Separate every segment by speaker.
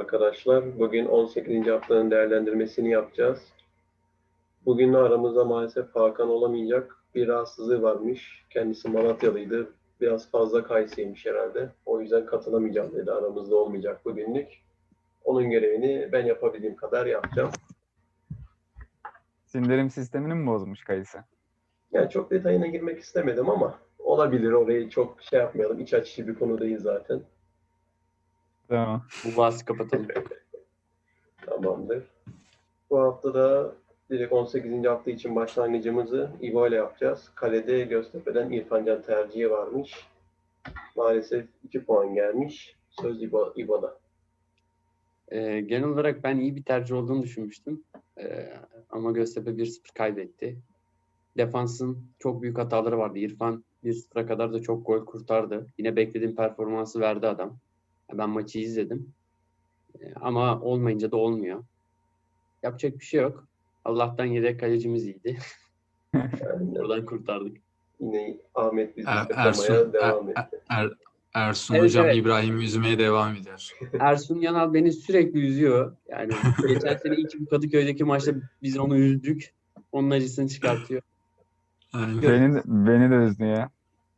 Speaker 1: arkadaşlar. Bugün 18. haftanın değerlendirmesini yapacağız. Bugün aramızda maalesef Hakan olamayacak. Bir rahatsızlığı varmış. Kendisi Malatyalıydı. Biraz fazla kayısıymış herhalde. O yüzden katılamayacağım dedi. Aramızda olmayacak bugünlük. Onun görevini ben yapabildiğim kadar yapacağım.
Speaker 2: Sindirim sistemini mi bozmuş kayısı?
Speaker 1: Yani çok detayına girmek istemedim ama olabilir. Orayı çok şey yapmayalım. İç açıcı bir konu değil zaten.
Speaker 2: Tamam.
Speaker 3: Bu bahsi kapatalım.
Speaker 1: Tamamdır. Bu hafta da direkt 18. hafta için başlangıcımızı İbo ile yapacağız. Kalede Göztepe'den İrfan Can tercihi varmış. Maalesef 2 puan gelmiş. Söz İbo'da.
Speaker 3: Genel olarak ben iyi bir tercih olduğunu düşünmüştüm. Ama Göztepe 1-0 kaybetti. Defansın çok büyük hataları vardı. İrfan 1-0'a kadar da çok gol kurtardı. Yine beklediğim performansı verdi adam. Ben maçı izledim. Ama olmayınca da olmuyor. Yapacak bir şey yok. Allah'tan yedek kalecimiz iyiydi.
Speaker 1: Yani
Speaker 3: Oradan kurtardık.
Speaker 1: yine Ahmet bizi
Speaker 4: Ersun,
Speaker 1: kırmaya devam etti.
Speaker 4: Ersun
Speaker 3: Evet,
Speaker 4: hocam
Speaker 3: evet.
Speaker 4: İbrahim'i üzmeye devam eder.
Speaker 3: Ersun Yanal beni sürekli üzüyor. Yani geçen sene bu Kadıköy'deki maçta biz onu üzdük. Onun acısını çıkartıyor.
Speaker 4: Aynen.
Speaker 2: Beni de üzdü ya.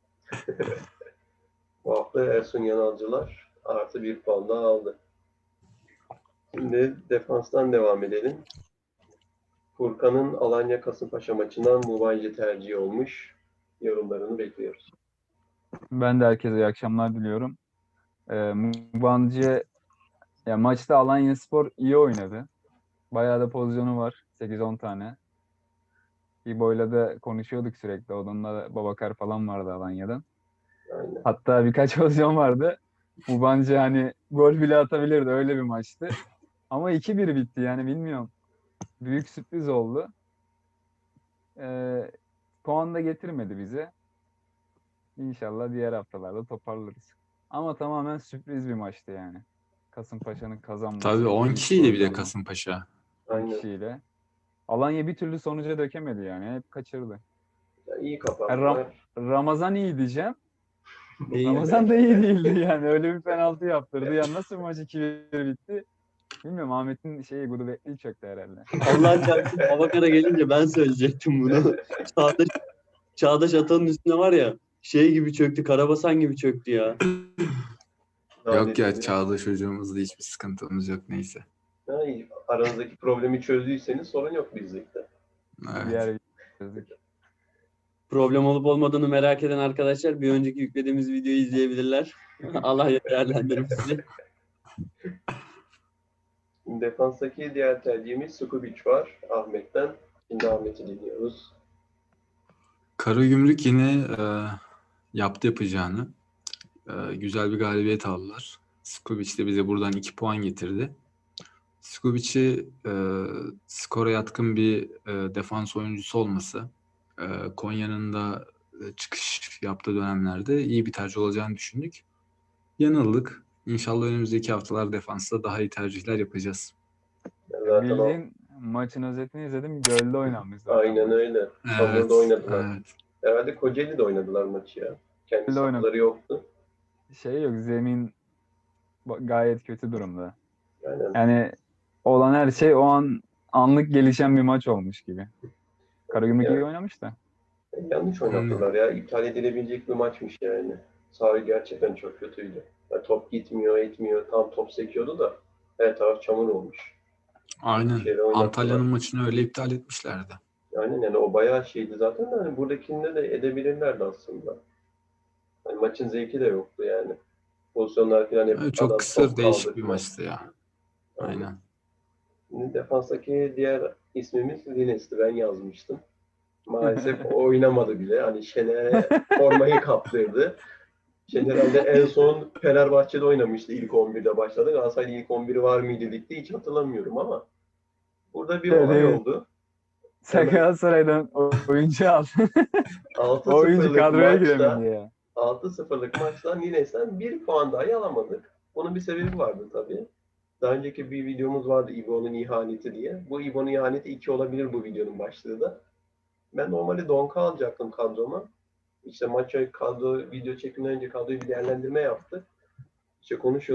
Speaker 1: Bu hafta Ersun Yanalcılar artı 1 puan daha aldı. Şimdi defanstan devam edelim. Furkan'ın Alanya Kasımpaşa maçından Mubayci tercihi olmuş. Yorumlarını bekliyoruz.
Speaker 2: Ben de herkese iyi akşamlar diliyorum. Mubancı ya maçta Alanyaspor iyi oynadı. Bayağı da pozisyonu var. 8-10 tane. İbo'yla da konuşuyorduk sürekli. Onunla da Babakar falan vardı Alanya'dan.
Speaker 1: Aynen.
Speaker 2: Hatta birkaç pozisyon vardı. Mubancı hani gol bile atabilirdi. Öyle bir maçtı. Ama 2-1 bitti yani bilmiyorum. Büyük sürpriz oldu. Puan da getirmedi bize. İnşallah diğer haftalarda toparlarız. Ama tamamen sürpriz bir maçtı yani. Kasımpaşa'nın kazanması.
Speaker 4: Tabii 10
Speaker 2: büyük
Speaker 4: kişiydi bir de
Speaker 2: problem.
Speaker 4: Kasımpaşa.
Speaker 2: 10
Speaker 1: Aynen.
Speaker 2: kişiyle. Alanya bir türlü sonuca dökemedi yani. Hep kaçırdı.
Speaker 1: Ya iyi
Speaker 2: Yani
Speaker 1: kapattılar.
Speaker 2: Ramazan iyi diyeceğim.
Speaker 3: Değil.
Speaker 2: Ramazan da iyi değildi yani. Öyle bir penaltı yaptırdı. Ya nasıl maç 2-1 bitti? Bilmiyorum, Ahmet'in gudubetliği çöktü herhalde.
Speaker 3: Allah çarpsın Babakar'a gelince ben söyleyecektim bunu. Çağdaş Atan'ın üstüne var ya gibi çöktü. Karabasan gibi çöktü ya.
Speaker 4: Yok ya, Çağdaş hocamızda hiçbir sıkıntımız yok, neyse.
Speaker 1: Yani aranızdaki problemi çözdüyseniz sorun yok bizlikte.
Speaker 4: Evet.
Speaker 2: Diğer çözdük.
Speaker 3: Problem olup olmadığını merak eden arkadaşlar bir önceki yüklediğimiz videoyu izleyebilirler. Allah değerlendirir bizi.
Speaker 1: Defanstaki diğer tercihimiz Sukubic var Ahmet'ten. Şimdi Ahmet'i dinliyoruz.
Speaker 4: Karagümrük yine yaptı yapacağını. Güzel bir galibiyet aldılar. Skubic de bize buradan 2 puan getirdi. Skubic'i skora yatkın bir defans oyuncusu olması, Konya'nın da çıkış yaptığı dönemlerde iyi bir tercih olacağını düşündük. Yanıldık. İnşallah önümüzdeki haftalar defansta daha iyi tercihler yapacağız.
Speaker 1: Zaten
Speaker 2: Bildiğin maçın özetini izledim. Gölde oynanmış zaten.
Speaker 1: aynen öyle.
Speaker 4: Evet,
Speaker 1: Hamurda oynadılar.
Speaker 4: evet.
Speaker 1: Herhalde Kocaeli'de oynadılar maçı ya. Kendi
Speaker 2: Gölde oynamış.
Speaker 1: sahaları yoktu.
Speaker 2: Yok, zemin gayet kötü durumda.
Speaker 1: Aynen.
Speaker 2: Yani olan her şey o an anlık gelişen bir maç olmuş gibi. Karagümrük
Speaker 1: Ya.
Speaker 2: iyi oynamış da.
Speaker 1: Yanlış oynattılar ya. İptal edilebilecek bir maçmış yani. Saha gerçekten çok kötüydü. Ya top gitmiyor, etmiyor. Tam top sekiyordu da her taraf çamur olmuş.
Speaker 4: Aynen.
Speaker 1: Şeyle oynattılar.
Speaker 4: Antalya'nın maçını öyle iptal etmişlerdi.
Speaker 1: Aynen, yani o bayağı şeydi zaten de hani buradakinde de edebilirlerdi aslında. Hani maçın zevki de yoktu yani. Pozisyonlar falan hep
Speaker 4: Evet, çok
Speaker 1: adam
Speaker 4: kısır,
Speaker 1: top
Speaker 4: değişik bir
Speaker 1: kaldırma.
Speaker 4: maçtı ya. Aynen.
Speaker 1: Şimdi defanstaki diğer ismimiz Lines'ti. Ben yazmıştım. Maalesef o oynamadı bile. Hani Şener'e formayı kaptırdı. Şener herhalde en son Fenerbahçe'de oynamıştı. İlk 11'de başladı. Galatasaray'da ilk 11'i var mıydı ligde hiç hatırlamıyorum ama burada bir olay oldu.
Speaker 2: Sen Galatasaray'dan oyuncu al. O oyuncu
Speaker 1: 6-0'lık
Speaker 2: kadroya
Speaker 1: maçta
Speaker 2: giremedi ya.
Speaker 1: 6-0'lık maçtan Lines'ten 1 puan dahi alamadık. Bunun bir sebebi vardı tabii. Daha önceki bir videomuz vardı İbo'nun ihaneti diye. Bu İbo'nun ihaneti 2 olabilir bu videonun başlığı da. Ben normalde Donka alacaktım kadroma. İşte maça kadro video çekimden önce kadroyu bir değerlendirme yaptık. İşte konuşuyorduk.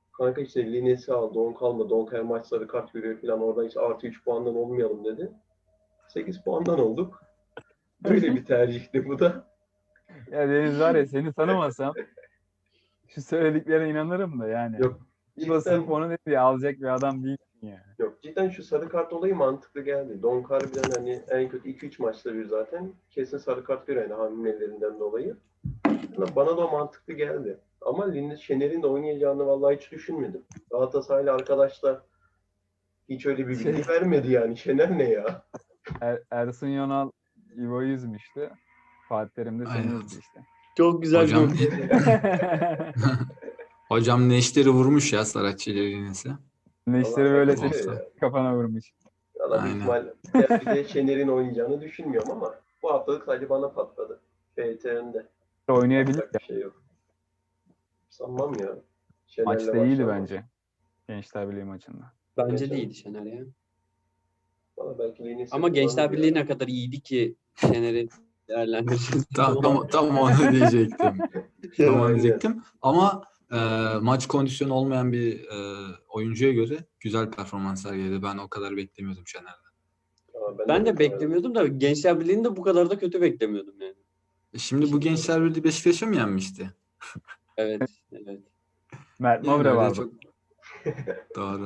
Speaker 1: Kanka işte Lines'i al, Donk alma, Donk her maç sarı kart görüyor falan. Oradan işte artı 3 puandan olmayalım dedi. 8 puandan olduk. Böyle bir tercihti bu da.
Speaker 2: Ya Deniz var ya, seni tanımasam şu söylediklerine inanırım da yani.
Speaker 1: Yok
Speaker 2: İbo sırf
Speaker 1: cidden,
Speaker 2: onu dedi ya, alacak bir adam değilsin yani.
Speaker 1: yok cidden şu sarı kart olayı mantıklı geldi. Donk harbiden hani en kötü 2-3 maçta bir zaten kesin sarı kart görüyor yani hamlelerinden dolayı. Bana da o mantıklı geldi. Ama Lines Şener'in de oynayacağını vallahi hiç düşünmedim. Galatasaraylı arkadaşlar hiç öyle bir
Speaker 2: Şey-
Speaker 1: bilgi vermedi yani. Şener ne ya?
Speaker 2: Ersun Yanal İbo'yu üzmüştü. Fatih Terim de seni
Speaker 4: Aynen.
Speaker 2: üzdü işte.
Speaker 3: Çok güzel bir
Speaker 4: Hocam
Speaker 3: nokta.
Speaker 4: hocam Neşter'i vurmuş ya Saratçı ile Lines'e.
Speaker 2: Neşteri
Speaker 1: Allah
Speaker 2: böyle
Speaker 1: sakın
Speaker 2: seni
Speaker 1: diyor
Speaker 4: olsa.
Speaker 1: ya.
Speaker 2: kafana vurmuş.
Speaker 1: Valla büyük
Speaker 4: Aynen.
Speaker 1: ihtimal derbide Şener'in oynayacağını düşünmüyorum ama bu haftalık sadece bana patladı. FTN'de.
Speaker 2: Oynayabilir
Speaker 1: Yapacak
Speaker 2: ya.
Speaker 1: bir şey yok. Sanmam ya. Şener'le
Speaker 2: Maçta iyiydi
Speaker 1: başlanmaz.
Speaker 2: bence. Gençler Birliği maçında.
Speaker 3: Bence
Speaker 1: Geçen-
Speaker 3: değildi Şener ya.
Speaker 1: Valla belki Lines'i
Speaker 3: Ama Gençler
Speaker 1: kullanır
Speaker 3: Birliği
Speaker 1: ya.
Speaker 3: ne kadar iyiydi ki Şener'i değerlendireceğiz.
Speaker 4: Tam onu diyecektim. Tam onu
Speaker 1: Aynen.
Speaker 4: diyecektim. Ama maç kondisyonu olmayan bir oyuncuya göre güzel performans sergiledi. Ben o kadar beklemiyordum Şener'den.
Speaker 1: Ama
Speaker 3: Ben de
Speaker 1: beklemiyordum.
Speaker 3: beklemiyordum da Gençler Birliği'ni de bu kadar da kötü beklemiyordum yani.
Speaker 4: Şimdi bu Gençler Birliği Beşiktaş'a mı yenmişti?
Speaker 3: Evet, evet.
Speaker 2: Mert
Speaker 4: Yani
Speaker 2: Nobre
Speaker 4: öyle
Speaker 2: vardı.
Speaker 4: çok doğru.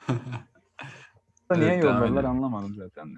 Speaker 2: Niye
Speaker 4: Evet, devam
Speaker 2: yolladılar
Speaker 4: edelim.
Speaker 2: anlamadım zaten de.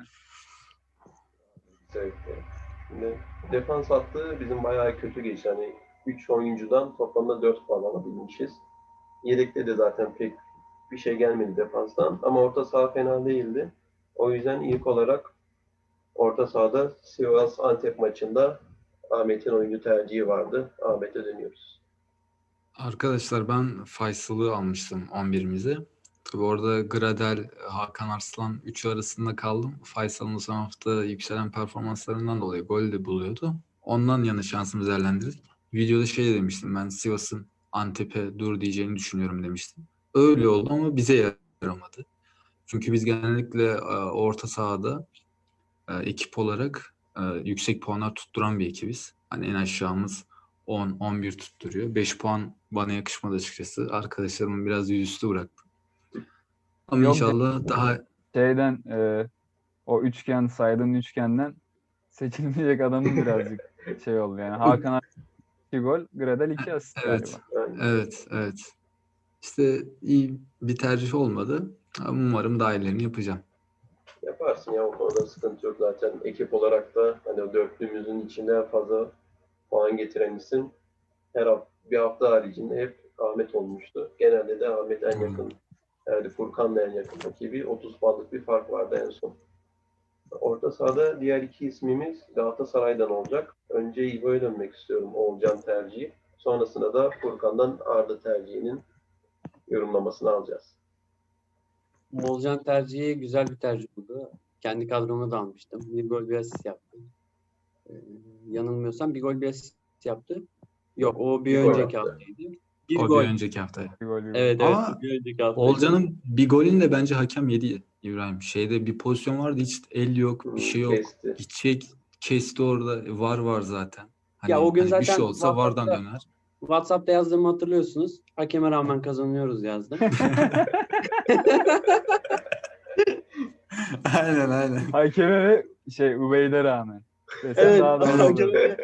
Speaker 1: Zevkli. Şimdi defans hattı bizim bayağı kötü geçti. Hani 3 oyuncudan toplamda 4 puan alabilmişiz. Yedekte de zaten pek bir şey gelmedi defanstan. Ama orta saha fena değildi. O yüzden ilk olarak orta sahada Sivas Antep maçında Ahmet'in oyuncu tercihi vardı. Ahmet'e dönüyoruz.
Speaker 4: Arkadaşlar ben Faysal'ı almıştım 11'imize. Tabii orada Gradel, Hakan Arslan üçü arasında kaldım. Faysal'ın son hafta yükselen performanslarından dolayı gol de buluyordu. Ondan yana şansımızı değerlendirdik. Videoda şey demiştim, ben Sivas'ın Antep'e dur diyeceğini düşünüyorum demiştim. Öyle oldu ama bize yaramadı. Çünkü biz genellikle orta sahada ekip olarak yüksek puanlar tutturan bir ekibiz. Hani en aşağımız 10-11 tutturuyor. 5 puan bana yakışmadı açıkçası. Arkadaşlarımın biraz yüzüstü bıraktım. Ama
Speaker 2: Yok
Speaker 4: inşallah daha
Speaker 2: şeyden o üçgen saydığın üçgenden seçilmeyecek adamın birazcık şey oldu yani. Hakan 2 gol, Gradel 2 asist
Speaker 4: evet,
Speaker 2: galiba.
Speaker 1: Yani
Speaker 4: evet. İşte iyi bir tercih olmadı. Ama umarım daha iyilerini yapacağım.
Speaker 1: yaparsın ya, o konuda sıkıntı yok zaten. Ekip olarak da hani o dörtlüğümüzün içinde en fazla puan getiren isim bir hafta haricinde hep Ahmet olmuştu. Genelde de Ahmet en yakın, yani Furkan'la en yakın rakibi. 30 puanlık bir fark vardı en son. Orta sahada diğer iki ismimiz Galatasaray'dan olacak. Önce İbo'ya dönmek istiyorum, Oğulcan tercihi. Sonrasında da Furkan'dan Arda tercihinin yorumlamasını alacağız.
Speaker 3: Oğulcan tercihi güzel bir tercih oldu. Kendi kadroma da almıştım. Bir gol bir asist yaptı. Yanılmıyorsam bir gol bir asist yaptı. Yok, o bir
Speaker 1: Bir gol
Speaker 3: önceki
Speaker 1: attı.
Speaker 3: haftaydı. Bir
Speaker 4: O
Speaker 3: gol.
Speaker 4: bir önceki haftaya.
Speaker 2: Bir gol bir gol.
Speaker 3: Evet,
Speaker 4: Ama
Speaker 3: bir önceki haftaydı.
Speaker 4: Olcan'ın bir golünü de bence hakem yedi İbrahim. Şeyde bir pozisyon vardı, hiç el yok, bir şey yok.
Speaker 1: Kesti.
Speaker 4: Gidecek, kesti orada. Var zaten.
Speaker 3: Ya o gün
Speaker 4: Hani bir şey
Speaker 3: zaten
Speaker 4: olsa VAR'dan döner.
Speaker 3: WhatsApp'ta yazdığımı hatırlıyorsunuz. Hakeme rağmen kazanıyoruz yazdım.
Speaker 4: Aynen.
Speaker 2: Hakeme ve Ubeyde rağmen. Desem
Speaker 3: Evet,
Speaker 2: daha doğru olur.
Speaker 3: hakeme.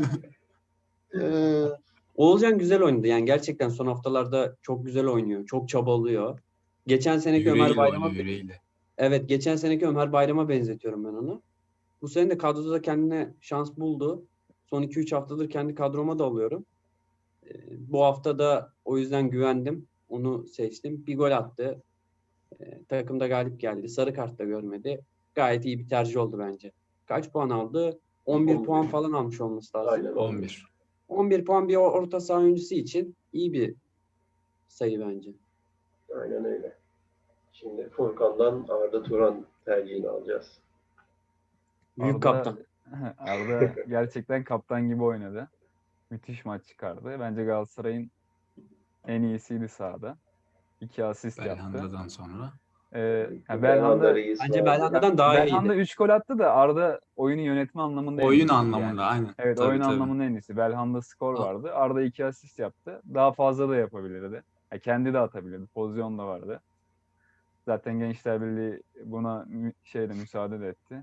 Speaker 3: Oğulcan güzel oynadı. Yani gerçekten son haftalarda çok güzel oynuyor. Çok çabalıyor. Geçen seneki Ömer
Speaker 4: Yüreğiyle
Speaker 3: Bayram'a
Speaker 4: oynuyor, yüreğiyle.
Speaker 3: Evet, geçen seneki Ömer Bayram'a benzetiyorum ben onu. Bu sene de kadroda da kendine şans buldu. Son 2-3 haftadır kendi kadroma da alıyorum. Bu hafta da o yüzden güvendim. Onu seçtim. Bir gol attı. Takımda galip geldi. Sarı kart da görmedi. Gayet iyi bir tercih oldu bence. Kaç puan aldı? 11
Speaker 1: 11.
Speaker 3: puan falan almış olması lazım.
Speaker 1: Aynen
Speaker 4: 11.
Speaker 3: 11 puan bir orta saha oyuncusu için iyi bir sayı bence.
Speaker 1: Aynen öyle. Şimdi Furkan'dan Arda Turan tercihini alacağız.
Speaker 3: Büyük
Speaker 2: Arda-
Speaker 3: kaptan.
Speaker 2: Arda gerçekten kaptan gibi oynadı. Müthiş maç çıkardı. Bence Galatasaray'ın en iyisiydi sahada. 2 asist yaptı.
Speaker 4: Belhanda'dan sonra.
Speaker 2: Belhanda
Speaker 1: Reis
Speaker 3: Bence
Speaker 1: vardı.
Speaker 3: Belhanda'dan daha
Speaker 2: Belhanda
Speaker 3: iyiydi.
Speaker 2: 3 gol attı da Arda oyunu yönetme anlamında en
Speaker 4: Oyun
Speaker 2: iyisiydi
Speaker 4: anlamında
Speaker 2: yani.
Speaker 4: aynen.
Speaker 2: Evet,
Speaker 4: Tabii,
Speaker 2: oyun
Speaker 4: tabii.
Speaker 2: anlamında en iyisi. Belhanda skor
Speaker 4: A-
Speaker 2: vardı. Arda 2 asist yaptı. Daha fazla da yapabilirdi. Ya kendi de atabilirdi. Pozisyon da vardı. Zaten Gençler Birliği buna müsaade de etti.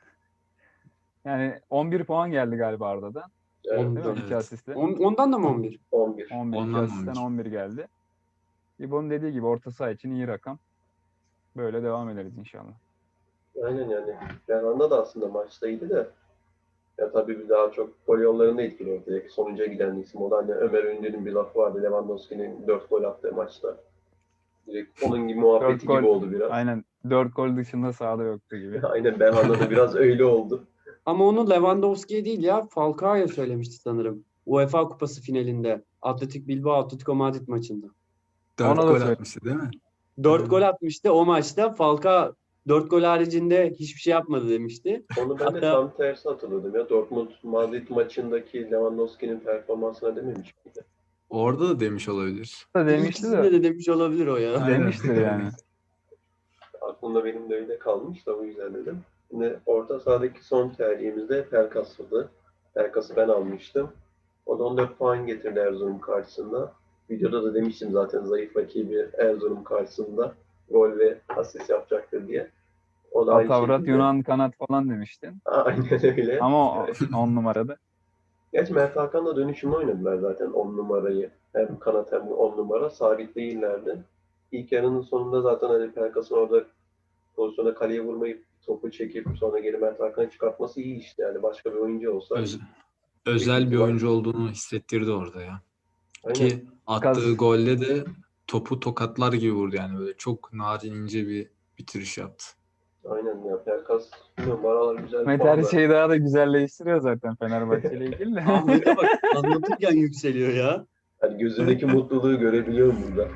Speaker 2: Yani 11 puan geldi galiba Arda'dan.
Speaker 1: Evet,
Speaker 2: Değil mi?
Speaker 3: 14.
Speaker 2: 2
Speaker 4: Evet.
Speaker 2: asistle.
Speaker 3: Ondan da mı 11?
Speaker 1: 11.
Speaker 2: 11. 2
Speaker 4: Ondan
Speaker 2: asistten
Speaker 4: 11.
Speaker 2: 11 geldi. İbo'nun dediği gibi orta saha için iyi rakam. Böyle devam ederiz inşallah.
Speaker 1: Aynen yani. Berhanda da aslında maçta iyiydi de. Ya tabii bir daha çok gol yollarında etkili oldu. Direkt sonuca giden isim. O da hani Ömer Ünlü'nün bir lafı vardı. Lewandowski'nin 4 gol attığı maçta. Direkt onun gibi
Speaker 2: 4
Speaker 1: muhabbeti
Speaker 2: gol,
Speaker 1: gibi oldu biraz.
Speaker 2: aynen 4 gol dışında sahada yoktu gibi.
Speaker 1: Aynen Berhan'da da biraz öyle oldu.
Speaker 3: Ama onu Lewandowski'ye değil ya Falcao'ya söylemişti sanırım. UEFA Kupası finalinde. Atletico Bilbao Atletico Madrid maçında.
Speaker 4: 4
Speaker 2: Ona da
Speaker 4: gol
Speaker 2: söyle.
Speaker 4: atmıştı değil mi?
Speaker 3: 4 gol atmıştı o maçta. Falcao 4 gol haricinde hiçbir şey yapmadı demişti.
Speaker 1: Onu ben de
Speaker 3: Hatta
Speaker 1: tam tersi hatırladım ya. Dortmund Madrid maçındaki Lewandowski'nin performansına dememiş miydi?
Speaker 4: Orada da demiş olabilir.
Speaker 2: Da demişti
Speaker 3: ikisinde
Speaker 2: de
Speaker 3: de demiş olabilir o ya.
Speaker 4: Aynen.
Speaker 2: demiştir yani.
Speaker 1: Aklımda benim de öyle kalmış da o yüzden dedim. Şimdi orta sahadaki son tercihimiz de Pelkas'dı. Pelkas'ı ben almıştım. O da 14 puan getirdi Erzurum karşısında. Videoda da demiştim zaten zayıf rakibi Erzurum karşısında gol ve asist yapacaktır diye. O da aynı
Speaker 2: Atavrat
Speaker 1: şekilde.
Speaker 2: Yunan kanat falan demiştin.
Speaker 1: Aynen öyle.
Speaker 2: Ama 10 numarada.
Speaker 1: Gerçi Mert Hakan'la dönüşümlü oynadılar zaten 10 numarayı. Hem kanat hem 10 numara. Sabit değillerdi. İlk yarının sonunda zaten hani Pelkas'ın orada pozisyona kaleye vurmayıp topu çekip sonra geri Mert Hakan'ı çıkartması iyi işte. Yani başka bir oyuncu olsa.
Speaker 4: Özel bir oyuncu olduğunu hissettirdi orada ya.
Speaker 1: Aynen.
Speaker 4: Ki attığı golle de topu tokatlar gibi vurdu yani böyle çok narin ince bir bitiriş yaptı.
Speaker 1: Aynen ya. Pelkas bilmiyorum aralar güzel
Speaker 2: Ahmet
Speaker 1: puan
Speaker 2: her
Speaker 1: da.
Speaker 2: şeyi daha da güzelleştiriyor zaten Fenerbahçe ile ilgili de.
Speaker 3: Ahmet'e bak anlatırken yükseliyor ya.
Speaker 1: Yani gözündeki mutluluğu görebiliyorum burada.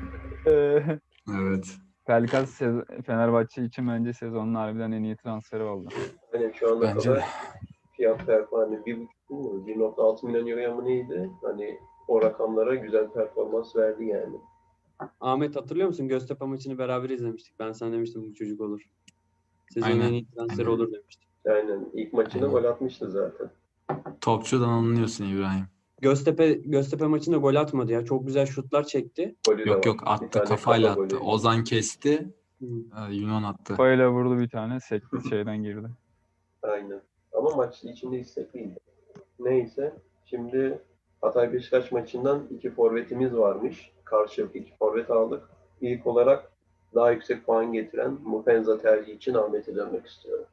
Speaker 4: Evet.
Speaker 2: Pelkas Fenerbahçe için bence sezonun harbiden en iyi transferi oldu.
Speaker 1: Aynen şu ana
Speaker 4: Bence de.
Speaker 1: kadar fiyat performansı 1,5 milyon euroya mı neydi? Hani o rakamlara güzel performans verdi yani.
Speaker 3: Ahmet hatırlıyor musun? Göztepe maçını beraber izlemiştik. Ben sana demiştim bu çocuk olur. Sezonun
Speaker 4: Aynen.
Speaker 3: en iyi transferi
Speaker 4: Aynen.
Speaker 3: olur demiştim.
Speaker 1: Aynen ilk maçında
Speaker 4: Aynen.
Speaker 1: gol atmıştı zaten.
Speaker 4: Topçudan anlıyorsun İbrahim.
Speaker 3: Göztepe maçında gol atmadı ya. Çok güzel şutlar çekti.
Speaker 1: Golü de
Speaker 4: Yok
Speaker 1: var.
Speaker 4: yok
Speaker 1: Bir
Speaker 4: attı
Speaker 1: tane
Speaker 4: kafayla
Speaker 1: kafa
Speaker 4: attı.
Speaker 1: golü.
Speaker 4: Ozan kesti.
Speaker 3: Hı.
Speaker 4: Yunan attı.
Speaker 2: Böyle vurdu bir tane. Sekti şeyden girdi.
Speaker 1: Aynen. Ama maç içinde istekliydi. Neyse. Şimdi Hatay Beşiktaş maçından 2 forvetimiz varmış. Karşılıklı 2 forvet aldık. İlk olarak daha yüksek puan getiren Mupenza tercihi için Ahmet'e dönmek istiyorum.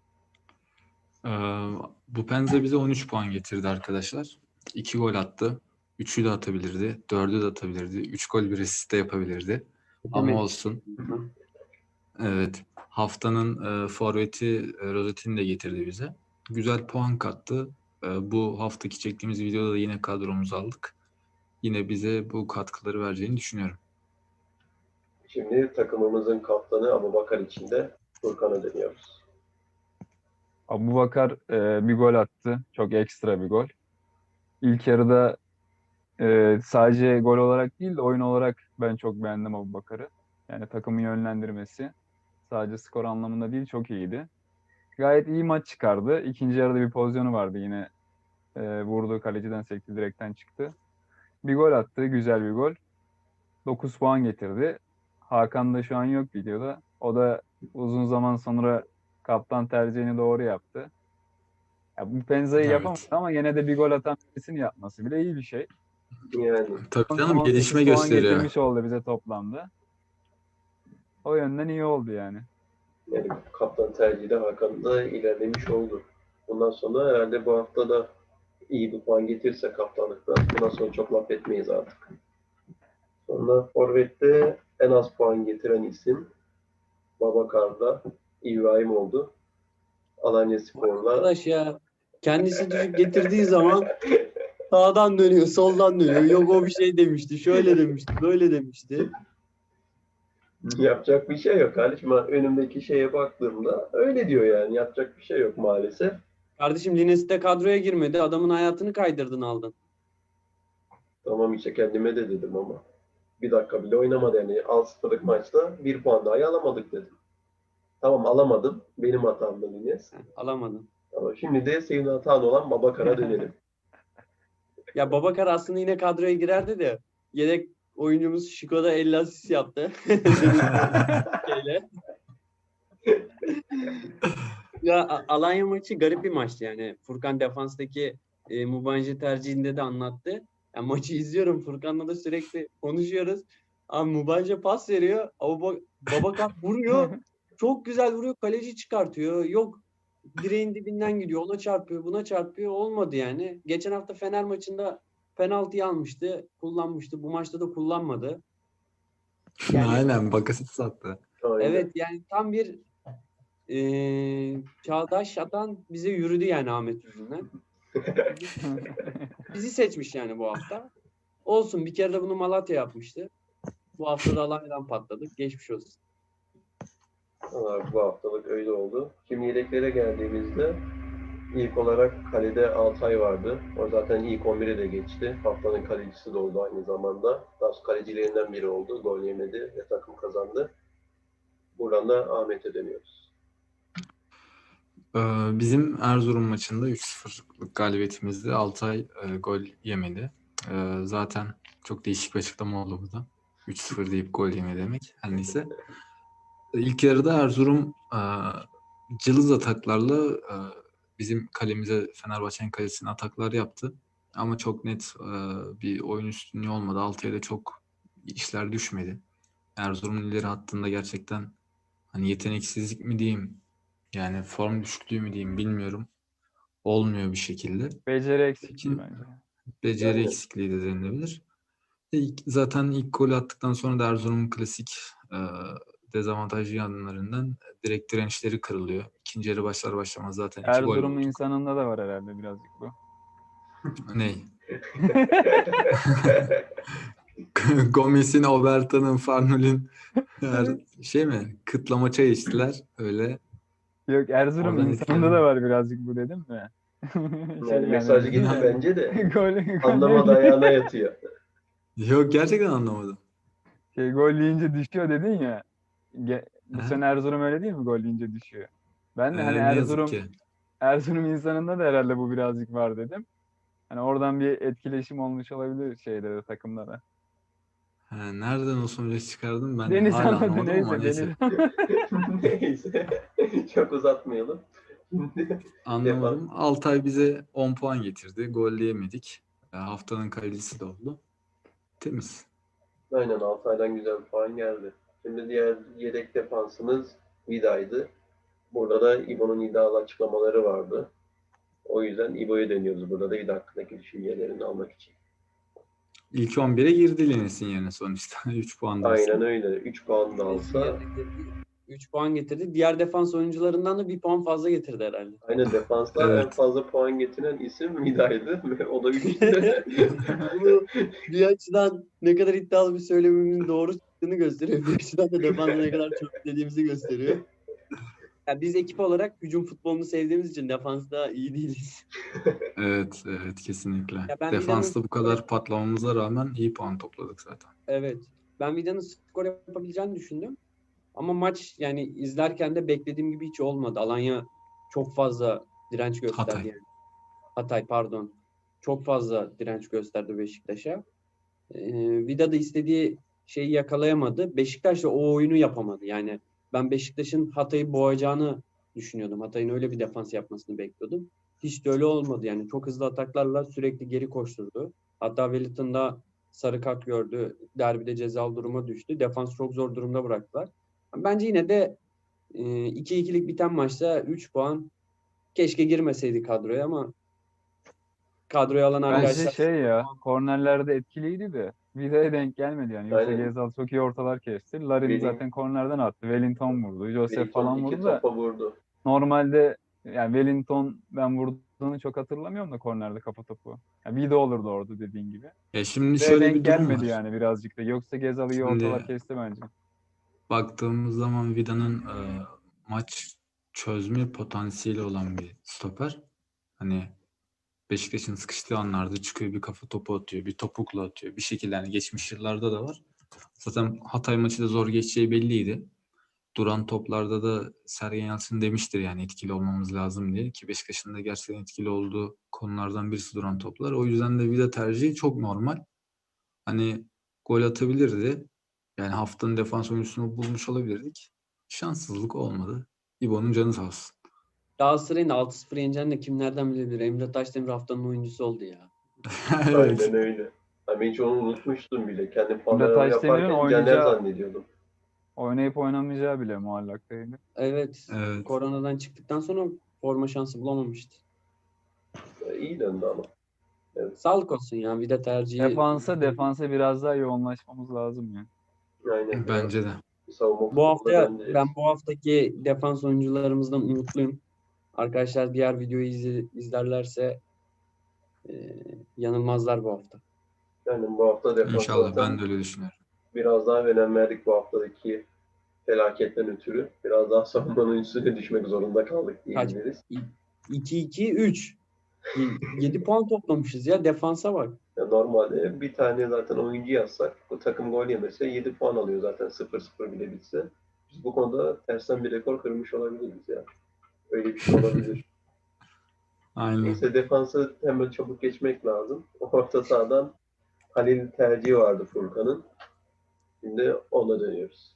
Speaker 4: Bu Penza bize 13 puan getirdi arkadaşlar. 2 gol attı. 3'ü de atabilirdi. 4'ü de atabilirdi. 3 gol bir asist de yapabilirdi. Ama
Speaker 3: Demek.
Speaker 4: olsun.
Speaker 3: Hı.
Speaker 4: Evet. Haftanın forveti Rozetti'ni de getirdi bize. Güzel puan kattı. Bu haftaki çektiğimiz videoda da yine kadromuzu aldık. Yine bize bu katkıları vereceğini düşünüyorum.
Speaker 1: Şimdi takımımızın kaptanı Abubakar için de Furkan'a dönüyoruz.
Speaker 2: Abubakar bir gol attı. Çok ekstra bir gol. İlk yarıda sadece gol olarak değil de oyun olarak ben çok beğendim Abubakar'ı. Yani takımı yönlendirmesi sadece skor anlamında değil çok iyiydi. Gayet iyi maç çıkardı. İkinci yarıda bir pozisyonu vardı yine. Vurdu kaleciden sekti direkten çıktı. Bir gol attı. Güzel bir gol. 9 puan getirdi. Hakan da şu an yok videoda. O da uzun zaman sonra kaptan tercihini doğru yaptı. Ya bu Penza'yı yapamadı
Speaker 4: Evet.
Speaker 2: ama yine de bir gol atan birisini yapması bile iyi bir şey.
Speaker 1: Yani
Speaker 4: Tabii canım
Speaker 2: 18
Speaker 4: gelişme
Speaker 2: puan
Speaker 4: gösteriyor.
Speaker 2: getirmiş oldu bize toplamda. O yönden iyi oldu yani.
Speaker 1: Yani kaptan tercihi de Hakan'da ilerlemiş oldu. Bundan sonra herhalde bu hafta da iyi bir puan getirse kaptanlıkta bundan sonra çok laf etmeyiz artık. Sonra Forvet'te en az puan getiren isim Babakar'da İbrahim oldu. Alanyaspor'la
Speaker 3: Arkadaş ya kendisi düşük getirdiği zaman sağdan dönüyor, soldan dönüyor. Yok o bir şey demişti, şöyle demişti, böyle demişti.
Speaker 1: yapacak bir şey yok kardeşim. Ben önümdeki şeye baktığımda öyle diyor yani. Yapacak bir şey yok maalesef.
Speaker 3: Kardeşim Lines de kadroya girmedi. Adamın hayatını kaydırdın aldın.
Speaker 1: Tamam işte kendime de dedim ama. Bir dakika bile oynamadı yani. 6-0'lık maçta bir puan daha alamadık dedim. Tamam alamadım. Benim hatamdı Lines.
Speaker 3: Alamadın.
Speaker 1: Ama şimdi de senin hatan olan Babakar'a dönelim.
Speaker 3: Ya Babakar aslında yine kadroya girerdi de yedek oyuncumuz Şiko da 50 asist yaptı. Şeyle. Ya Alanya maçı garip bir maçtı yani. Furkan defanstaki Mubanji tercihinde de anlattı. Yani maçı izliyorum. Furkan'la da sürekli konuşuyoruz. Abi Mubanji pas veriyor. Babakan vuruyor. Çok güzel vuruyor. Kaleci çıkartıyor. Yok direğin dibinden gidiyor. Ona çarpıyor. Buna çarpıyor. Olmadı yani. Geçen hafta Fener maçında penaltıyı almıştı. Kullanmıştı. Bu maçta da kullanmadı. Yani
Speaker 4: Aynen Bakasetas sattı.
Speaker 1: Aynen.
Speaker 3: evet yani tam bir çağdaş atan bize yürüdü yani Ahmet yüzünden. Bizi seçmiş yani bu hafta. Olsun bir kere de bunu Malatya yapmıştı. Bu hafta da Alanya'dan patladık. Geçmiş olsun.
Speaker 1: Ama bu haftalık öyle oldu. Şimdi yedeklere geldiğimizde ilk olarak kalede Altay vardı. O zaten ilk 11'e de geçti. Haftanın kalecisi de oldu aynı zamanda. Daha kalecilerinden biri oldu. Gol yemedi ve takım kazandı. Buradan da Ahmet'e dönüyoruz.
Speaker 4: Bizim Erzurum maçında 3-0'lık galibiyetimizde Altay gol yemedi. Zaten çok değişik bir açıklama oldu burada. 3-0 deyip gol yeme demek. Her neyse. İlk yarıda Erzurum cılız ataklarla bizim kalemize, Fenerbahçe'nin kalesine ataklar yaptı. Ama çok net bir oyun üstünlüğü olmadı. Altay'a da çok işler düşmedi. Erzurum'un ileri hattında gerçekten hani yeteneksizlik mi diyeyim, yani form düşüklüğü mü diyeyim bilmiyorum. Olmuyor bir şekilde.
Speaker 2: Beceri eksikliği
Speaker 4: Peki,
Speaker 2: bence.
Speaker 4: beceri
Speaker 1: Yani.
Speaker 4: eksikliği de denilebilir. Zaten ilk golü attıktan sonra da Erzurum'un klasik dezavantajlı yanlarından direkt dirençleri kırılıyor. İkinci yarı başlar başlamaz zaten 2 gol
Speaker 2: Erzurum
Speaker 4: bulduk.
Speaker 2: insanında da var herhalde birazcık bu.
Speaker 4: Ney? Gomez'in, Obertan'ın, Farnol'ün şey mi? Kıtlama çay içtiler. Öyle.
Speaker 2: Yok Erzurum
Speaker 4: Oradan
Speaker 2: insanında da var birazcık bu dedim mi?
Speaker 1: Yani mesaj gitti
Speaker 4: yani-
Speaker 1: bence de.
Speaker 2: Gol
Speaker 1: Anlamadı ayağına yatıyor.
Speaker 4: Yok gerçekten anlamadım.
Speaker 2: gol yiyince düşüyor dedin ya. Bu
Speaker 4: Aha.
Speaker 2: sene Erzurum öyle değil mi? Gol yiyince düşüyor. Ben de hani
Speaker 4: Ne yazık ki.
Speaker 2: Erzurum insanında da herhalde bu birazcık var dedim. Hani oradan bir etkileşim olmuş olabilir şeyde de takımda da.
Speaker 4: Nereden o sonucu çıkardım ben
Speaker 2: Deniz
Speaker 4: hala
Speaker 2: anladı
Speaker 4: anlamadım ama
Speaker 2: neyse.
Speaker 4: neyse.
Speaker 1: Neyse. Çok uzatmayalım.
Speaker 4: Anlamadım. Altay bize 10 puan getirdi. Golleyemedik. Haftanın kalecisi de oldu. Temiz.
Speaker 1: Aynen Altay'dan güzel bir puan geldi. Şimdi diğer yedek defansımız Vida'ydı. Burada da İbo'nun iddialı açıklamaları vardı. O yüzden İbo'ya dönüyoruz burada da Vida hakkındaki düşüncelerini almak için.
Speaker 4: İlk 11'e girdi Lenes'in yerine sonuçta. 3 puan da olsa.
Speaker 1: Aynen öyle. 3 puan da alsa
Speaker 3: 3 puan getirdi. Diğer defans oyuncularından da 1 puan fazla getirdi herhalde.
Speaker 1: aynen defansta en
Speaker 4: Evet.
Speaker 1: fazla puan getiren isim Vida'ydı ve o da 3.
Speaker 3: Bu bir açıdan ne kadar iddialı bir söylemimin doğru çıktığını gösteriyor. Bir açıdan da defansa ne kadar çok dediğimizi gösteriyor. Yani biz ekip olarak hücum futbolunu sevdiğimiz için defansta iyi değiliz.
Speaker 4: Evet, kesinlikle.
Speaker 3: Ya ben
Speaker 4: Defansta bu kadar patlamamıza rağmen iyi puan topladık zaten.
Speaker 3: Evet. Ben Vida'nın skor yapabileceğini düşündüm. Ama maç yani izlerken de beklediğim gibi hiç olmadı. Alanya çok fazla direnç gösterdi.
Speaker 4: Hatay.
Speaker 3: Yani. Hatay pardon. Çok fazla direnç gösterdi Beşiktaş'a. Vida da istediği şeyi yakalayamadı. Beşiktaş da o oyunu yapamadı. Yani ben Beşiktaş'ın Hatay'ı boğacağını düşünüyordum. Hatay'ın öyle bir defans yapmasını bekliyordum. Hiç de öyle olmadı. Yani çok hızlı ataklarla sürekli geri koşturdu. Hatta Wellington da sarı kart gördü. Derbide cezalı duruma düştü. Defans çok zor durumda bıraktılar. Bence yine de 2-2'lik biten maçta 3 puan keşke girmeseydi kadroya ama kadroya alan
Speaker 2: Bence
Speaker 3: arkadaşlar
Speaker 2: kornerlerde etkiliydi de Vida'ya denk gelmedi yani. Yoksa
Speaker 1: Aynen.
Speaker 2: Gezal çok iyi ortalar kesti. Larin
Speaker 1: Wellington-
Speaker 2: zaten kornerden attı. Wellington vurdu. Joseph
Speaker 1: Wellington
Speaker 2: falan
Speaker 1: 2
Speaker 2: vurdu da
Speaker 1: topa vurdu.
Speaker 2: normalde yani Wellington ben vurduğunu çok hatırlamıyorum da kornerde kafa topu. Yani Vida olurdu orada dediğin gibi.
Speaker 4: Şimdi
Speaker 2: Vida'ya
Speaker 4: şöyle
Speaker 2: denk
Speaker 4: bir durum
Speaker 2: gelmedi
Speaker 4: var.
Speaker 2: yani birazcık da. Yoksa Gezal iyi
Speaker 4: Şimdi-
Speaker 2: ortalar kesti bence.
Speaker 4: Baktığımız zaman Vida'nın maç çözme potansiyeli olan bir stoper. Hani Beşiktaş'ın sıkıştığı anlarda çıkıyor, bir kafa topu atıyor, bir topukla atıyor. Bir şekilde hani geçmiş yıllarda da var. Zaten Hatay maçı da zor geçeceği belliydi. Duran toplarda da Sergen Yalçın demiştir yani etkili olmamız lazım diye, ki Beşiktaş'ın da gerçekten etkili olduğu konulardan birisi duran toplar. O yüzden de Vida tercihi çok normal. Hani gol atabilirdi. Yani haftanın defans oyuncusunu bulmuş olabilirdik. Şanssızlık olmadı. İbo'nun canı sağ olsun.
Speaker 3: Galatasaray'ın 6-0 yeneceğini de kim nereden bilebilir? Emre Taşdemir haftanın oyuncusu oldu ya.
Speaker 4: Evet.
Speaker 1: Aynen öyle. Ben hiç onu unutmuştum bile. Kendim
Speaker 2: Emre
Speaker 1: puanlama
Speaker 2: Taşdemir'in
Speaker 1: yaparken Caner
Speaker 2: oynayacağı,
Speaker 1: zannediyordum.
Speaker 2: oynayıp oynamayacağı bile muallaktaydı.
Speaker 3: Evet.
Speaker 4: Evet.
Speaker 3: Koronadan çıktıktan sonra forma şansı bulamamıştı.
Speaker 1: İyi döndü ama.
Speaker 3: Sağlık olsun ya. Bir de tercihi.
Speaker 2: Defansa biraz daha yoğunlaşmamız lazım ya.
Speaker 1: Aynen.
Speaker 4: Bence de.
Speaker 1: Savunma
Speaker 3: Bu
Speaker 1: futboluna
Speaker 3: haftaya
Speaker 1: döndü.
Speaker 3: ben bu haftaki defans oyuncularımızdan umutluyum. Arkadaşlar diğer videoyu izlerlerse yanılmazlar bu hafta.
Speaker 1: Yani bu hafta defans
Speaker 4: İnşallah.
Speaker 1: zaten
Speaker 4: Ben de öyle düşünüyorum.
Speaker 1: biraz daha önem verdik bu haftadaki felaketten ötürü. Biraz daha savunmanın üstüne düşmek zorunda kaldık diyebiliriz.
Speaker 3: 2-2-3. 7 puan toplamışız ya. Defansa bak.
Speaker 1: Ya normalde bir tane zaten oyuncu yazsak bu takım gol yemese 7 puan alıyor zaten 0-0 bile bitse. Biz bu konuda tersten bir rekor kırmış olabiliriz ya. Öyle bir şey olabilir.
Speaker 4: Aynen.
Speaker 1: Neyse defansı hemen çabuk geçmek lazım. Orta sahadan Halil tercihi vardı Furkan'ın. Şimdi ona dönüyoruz.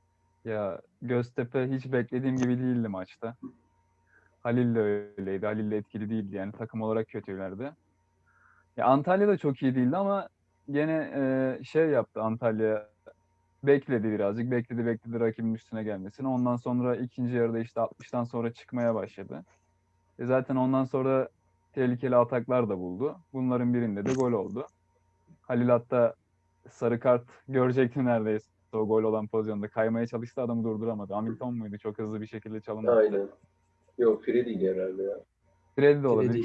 Speaker 2: Ya Göztepe hiç beklediğim gibi değildi maçta. Halil de öyleydi. Halil de etkili değildi yani takım olarak kötülerdi. Ya Antalya da çok iyi değildi ama gene şey yaptı Antalya. Bekledi birazcık. Bekledi rakibin üstüne gelmesini. Ondan sonra ikinci yarıda işte 60'tan sonra çıkmaya başladı. Zaten ondan sonra tehlikeli ataklar da buldu. Bunların birinde de gol oldu. Halil hatta sarı kart görecekti neredeyse. O gol olan pozisyonda kaymaya çalıştı, adamı durduramadı. Hamilton muydu? Çok hızlı bir şekilde çalım attı.
Speaker 1: Aynen. Yok Fred değil herhalde ya.
Speaker 2: Fred de olabilir.
Speaker 3: Fred'iydi.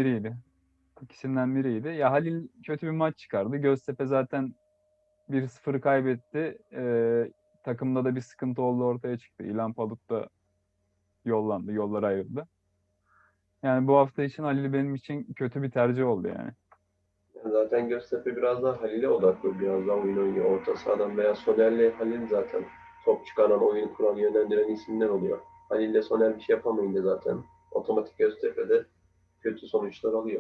Speaker 2: İkisinden biriydi. Ya Halil kötü bir maç çıkardı. Göztepe zaten 1-0 kaybetti. Takımda da bir sıkıntı oldu, ortaya çıktı. İlhan Palut da yollandı. Yollar ayrıldı. Yani bu hafta için Halil benim için kötü bir tercih oldu yani.
Speaker 1: Zaten Göztepe biraz daha Halil'e odaklı biraz daha oyun oynuyor. Orta sahadan veya Soner'le Halil zaten top çıkaran, oyun kuran, yönlendiren isimler oluyor. Halil'le Soner bir şey yapamayınca zaten otomatik Göztepe'de kötü sonuçlar alıyor.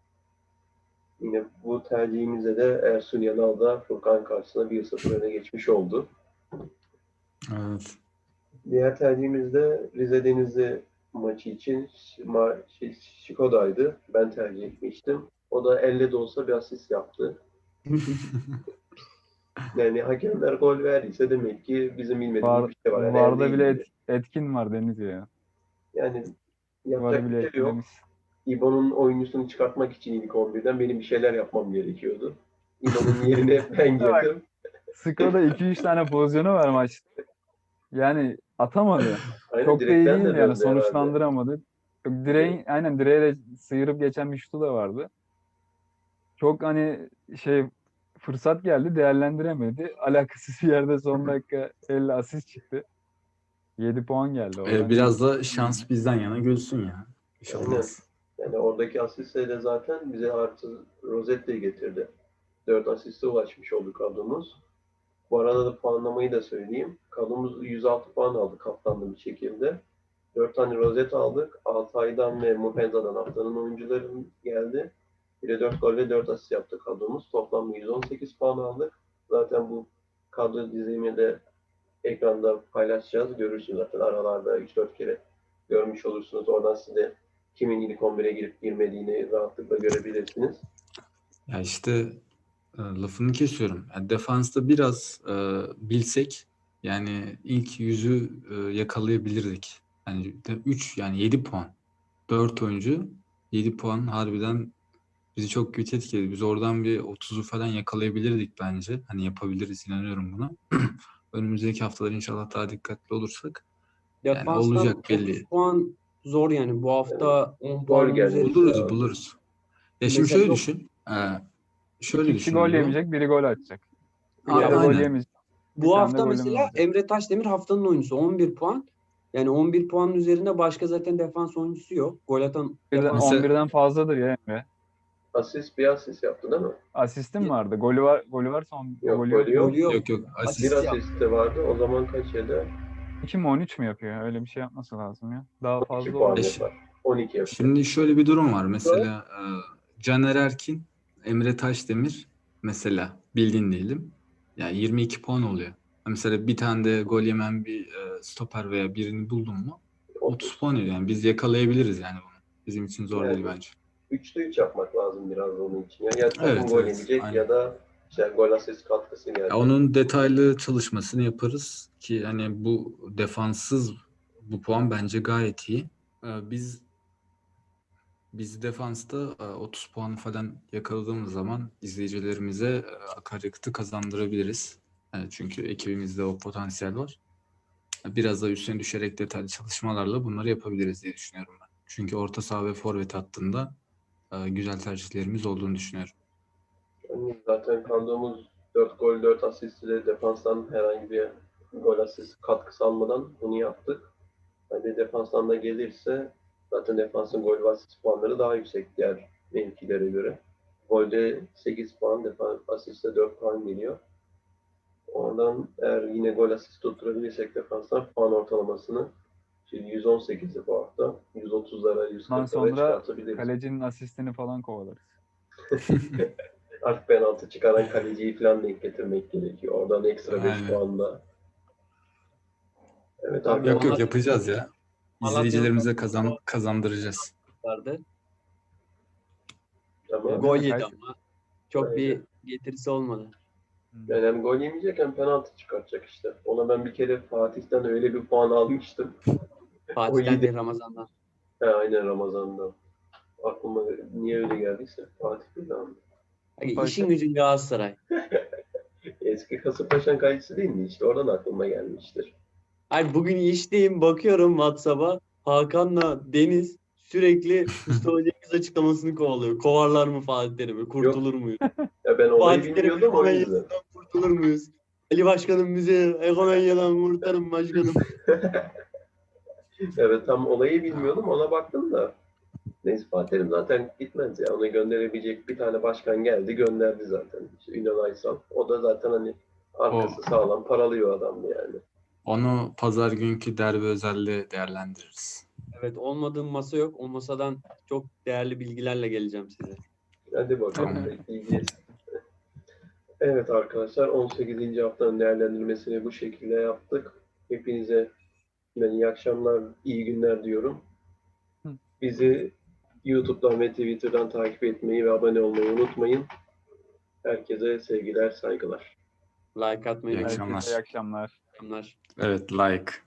Speaker 1: Yine bu tercihimizde de Ersun Yanal da Furkan karşısında 1-0 öne geçmiş oldu.
Speaker 4: Evet.
Speaker 1: Diğer tercihimiz de Rize Denizli maçı için Şiko'daydı. Ben tercih etmiştim. O da elle de olsa bir asist yaptı. Yani hakemler gol verdiyse demek ki bizim bilmediğimiz bir şey var. Yani
Speaker 2: Varda
Speaker 1: elde
Speaker 2: bile
Speaker 1: ilgili.
Speaker 2: etkin var Deniz ya.
Speaker 1: Yani
Speaker 2: Varı
Speaker 1: yapacak
Speaker 2: bile
Speaker 1: bir şey yok.
Speaker 2: etkilemiş.
Speaker 1: İbo'nun oyuncusunu çıkartmak için ilk 11'den benim bir şeyler yapmam gerekiyordu. İbo'nun yerine ben girdim.
Speaker 2: Skoda 2-3 tane pozisyonu var maçta. Yani atamadı.
Speaker 1: Aynen
Speaker 2: Çok da iyi
Speaker 1: direkten de
Speaker 2: değildi yani,
Speaker 1: döndü herhalde.
Speaker 2: sonuçlandıramadı. Direğe de sıyırıp geçen bir şutu da vardı. Çok hani fırsat geldi, değerlendiremedi. Alakasız bir yerde son dakika 50 asist çıktı. 7 puan geldi oradan.
Speaker 4: Biraz da şans bizden yana gülsün ya. Bir şey
Speaker 1: Aynen.
Speaker 4: olmaz.
Speaker 1: Yani oradaki asistle de zaten bize artı Rosette'yi getirdi. 4 asiste ulaşmış oldu kadromuz. Bu arada da puanlamayı da söyleyeyim. Kadromuz 106 puan aldı kaptanlı bir şekilde. 4 tane rozet aldık. Altay'dan ve Muhenza'dan haftanın oyuncuları geldi. Bir de 4 gol ve 4 asist yaptı kadromuz. Toplamda 118 puan aldık. Zaten bu kadro dizimi de ekranda paylaşacağız. Görürsünüz zaten aralarda 3-4 kere görmüş olursunuz. Oradan size kimin ilk 11'e girip girmediğini rahatlıkla görebilirsiniz.
Speaker 4: Ya işte lafını kesiyorum. Yani defansta biraz bilsek yani ilk yüzü yakalayabilirdik. Yani 3 yani 7 puan. 4 oyuncu 7 puan harbiden bizi çok kötü etkiledi. Biz oradan bir 30'u falan yakalayabilirdik bence. Hani yapabiliriz, inanıyorum buna. Önümüzdeki haftalar inşallah daha dikkatli olursak. Yani
Speaker 3: Defanstan
Speaker 4: olacak
Speaker 3: 30
Speaker 4: belli.
Speaker 3: puan zor yani. Bu hafta 10
Speaker 1: Gol
Speaker 3: puanın
Speaker 1: gelmesi
Speaker 3: üzerinde.
Speaker 1: lazım.
Speaker 4: Buluruz. Ya şimdi
Speaker 3: Mesela
Speaker 4: şöyle
Speaker 3: yok.
Speaker 4: düşün.
Speaker 2: İki kişi gol yemeyecek, biri gol atacak. Bir kere gol
Speaker 4: Aynen.
Speaker 2: yemeyecek. Bir
Speaker 3: Bu
Speaker 2: tane de
Speaker 3: hafta
Speaker 2: golümüz
Speaker 3: mesela
Speaker 2: olacak.
Speaker 3: Emre Taşdemir haftanın oyuncusu 11 puan. Yani 11 puanın üzerinde başka zaten defans oyuncusu yok. Gol atan defans.
Speaker 4: Mesela-
Speaker 2: 11'den fazladır ya Emre.
Speaker 1: Bir asist yaptı değil mi?
Speaker 2: Asistim vardı. Golü varsa o
Speaker 1: Yok,
Speaker 2: golü yok.
Speaker 1: golü yok.
Speaker 3: Golü yok.
Speaker 4: Yok
Speaker 1: Bir
Speaker 4: asist.
Speaker 3: yaptı.
Speaker 1: asist de vardı. O zaman kaç yedi?
Speaker 2: 2 mi 13 mü yapıyor? Öyle bir şey yapması lazım ya. Daha
Speaker 1: 12
Speaker 2: fazla
Speaker 1: puan
Speaker 2: olur.
Speaker 1: yapar. 12 yapar.
Speaker 4: Şimdi şöyle bir durum var. Mesela Caner Erkin, Emre Taşdemir mesela bildiğin diyelim. Yani 22 puan oluyor. Mesela bir tane de gol yemen bir stoper veya birini buldun mu 30 puan ediyor. Yani biz yakalayabiliriz yani bunu. Bizim için zor değil
Speaker 1: Yani
Speaker 4: bence.
Speaker 1: 3'te 3 yapmak lazım biraz onun için. Ya takım
Speaker 4: Evet,
Speaker 1: gol
Speaker 4: evet.
Speaker 1: yemeyecek
Speaker 4: Aynen.
Speaker 1: ya da işte gol asist katkısı
Speaker 4: Ya
Speaker 1: gelecek.
Speaker 4: onun detaylı çalışmasını yaparız ki hani bu defanssız bu puan bence gayet iyi. Biz defansta 30 puan falan yakaladığımız zaman izleyicilerimize akaryakıtı kazandırabiliriz. Çünkü ekibimizde o potansiyel var. Biraz da üstüne düşerek detaylı çalışmalarla bunları yapabiliriz diye düşünüyorum ben. Çünkü orta saha ve forvet hattında güzel tercihlerimiz olduğunu düşünüyorum.
Speaker 1: Yani zaten kandığımız 4 gol 4 asist ile defanstan herhangi bir gol asist katkısı almadan bunu yaptık. Hani defanstan da gelirse zaten defansın gol ve asist puanları daha yüksek diğer mevkilere göre. Golde 8 puan, defans asiste 4 puan geliyor. Oradan eğer yine gol asist tutturabilirsek defanstan puan ortalamasını şimdi 118'i bu hafta 130'lara
Speaker 2: Ondan
Speaker 1: 140'lara
Speaker 2: sonra
Speaker 1: çıkartabiliriz.
Speaker 2: kalecinin asistini falan kovalarız.
Speaker 1: Artık penaltı çıkaran kaleciyi falan denk getirmek gerekiyor. Oradan ekstra 5
Speaker 4: Aynen.
Speaker 1: puan da. Evet
Speaker 3: Abi
Speaker 4: Yok
Speaker 1: arkadaşlar.
Speaker 4: yapacağız ya.
Speaker 3: Malatya'nın
Speaker 4: İzleyicilerimize kazandıracağız.
Speaker 3: vardı.
Speaker 1: Ama
Speaker 2: Değil
Speaker 3: Gol
Speaker 2: mi?
Speaker 3: yedi ama çok
Speaker 1: Aynen.
Speaker 3: bir getirisi olmadı.
Speaker 1: Yani hem gol yemeyecek hem penaltı çıkartacak işte. Ona ben bir kere Fatih'ten öyle bir puan almıştım. O
Speaker 3: Fatih'ten
Speaker 1: yedi.
Speaker 3: değil, Ramazan'dan.
Speaker 1: Aynen Ramazan'da. Aklıma niye öyle geldiyse Fatih bir daha.
Speaker 3: Hani
Speaker 2: Paşa.
Speaker 3: işin gücün Galatasaray.
Speaker 1: Eski Kasımpaşa'nın kalecisi değil mi? İşte oradan aklıma gelmiştir.
Speaker 3: Hayır, bugün işteyim, bakıyorum WhatsApp'a. Hakan'la Deniz sürekli Mustafa Cengiz açıklamasını kovalıyor. Kovarlar mı Fatih Terim'i?
Speaker 1: Yok
Speaker 3: Kurtulur muyuz?
Speaker 1: ya ben olayı
Speaker 3: Fatih Terim'in
Speaker 1: bilmiyordum o yüzden.
Speaker 3: Konya'sından kurtulur muyuz? Ali Başkanım bizi Konya'dan kurtarın başkanım.
Speaker 1: Evet tam olayı bilmiyordum ona baktım da. Neyse Fatih Terim zaten gitmez ya. Onu gönderebilecek bir tane başkan geldi gönderdi zaten. İşte Ünal Aysal. O da zaten hani arkası sağlam paralıyor adamdı yani.
Speaker 4: Onu pazar günkü derbi özelde değerlendiririz.
Speaker 3: Evet, olmadığım masa yok. O masadan çok değerli bilgilerle geleceğim size.
Speaker 1: Hadi bakalım
Speaker 4: Tamam.
Speaker 1: bekleyeceğiz. Evet arkadaşlar 18. haftanın değerlendirmesini bu şekilde yaptık. Hepinize iyi akşamlar, iyi günler diyorum.
Speaker 2: Hı.
Speaker 1: Bizi YouTube'dan ve Twitter'dan takip etmeyi ve abone olmayı unutmayın. Herkese sevgiler, saygılar.
Speaker 3: Like atmayı
Speaker 4: İyi
Speaker 3: unutmayın.
Speaker 4: akşamlar.
Speaker 2: Herkese iyi akşamlar.
Speaker 3: Akşamlar.
Speaker 4: Evet, like.